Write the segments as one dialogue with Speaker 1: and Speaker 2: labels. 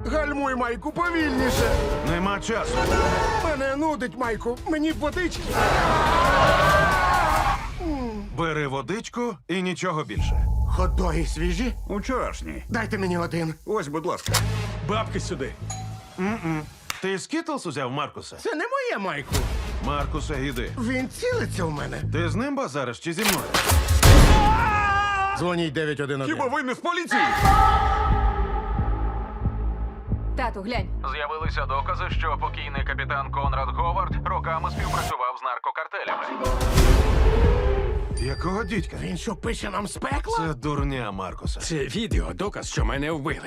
Speaker 1: Гальмуй, Майку, повільніше.
Speaker 2: Нема часу.
Speaker 1: Мене нудить, Майку. Мені б водички.
Speaker 2: Бери водичку і нічого більше.
Speaker 1: Хот-доги свіжі?
Speaker 3: Учорашній.
Speaker 1: Дайте мені один.
Speaker 3: Ось, будь ласка.
Speaker 4: Бабки сюди.
Speaker 2: Ти скітлс узяв, Маркусе?
Speaker 1: Це не моє, Майку.
Speaker 2: Маркусе, іди.
Speaker 1: Він цілиться в мене.
Speaker 2: Ти з ним базариш чи зі мною?
Speaker 1: Дзвоніть 911.
Speaker 3: Хіба ви не з поліції?
Speaker 5: Тату, глянь.
Speaker 6: З'явилися докази, що покійний капітан Конрад Говард роками співпрацював з наркокартелями.
Speaker 2: Якого дідька?
Speaker 1: Він що, пише нам з пекла?
Speaker 2: Це дурня, Маркусе.
Speaker 4: Це відео доказ, що мене вбили.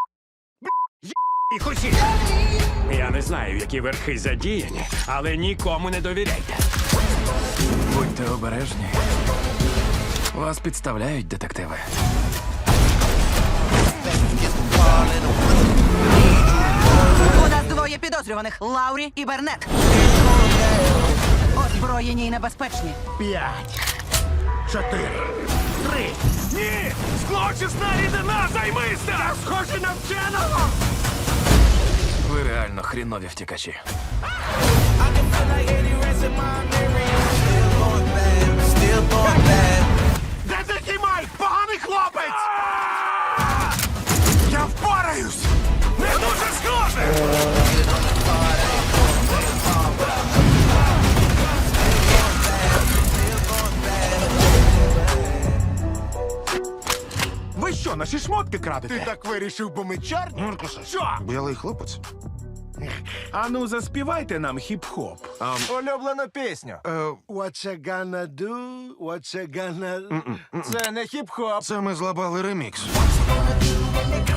Speaker 4: І хусі. Я не знаю, які верхи задіяні, але нікому не довіряйте.
Speaker 7: Будьте обережні. Вас підставляють детективи.
Speaker 8: У нас двоє підозрюваних – Лаурі і Бернет. Озброєні і небезпечні.
Speaker 1: 5, 4, 3.
Speaker 4: Ні! Злочисна рідина, займися!
Speaker 1: Я схожий на вченого!
Speaker 7: Ви реально хрінові втікачі.
Speaker 1: Де такий Майк? Поганий хлопець! Я впораюсь!
Speaker 4: Не дуже схоже!
Speaker 3: Ви що, наші шмотки крадете?
Speaker 1: Ти так вирішив, бо ми чорні?
Speaker 2: Маркусе.
Speaker 1: Що?
Speaker 2: Білий хлопець.
Speaker 3: Ану, заспівайте нам хіп-хоп.
Speaker 9: Улюблену пісню.
Speaker 1: What you gonna do? What you gonna...
Speaker 9: Це не хіп-хоп.
Speaker 2: Це ми злабали ремікс.
Speaker 8: Gonna do when they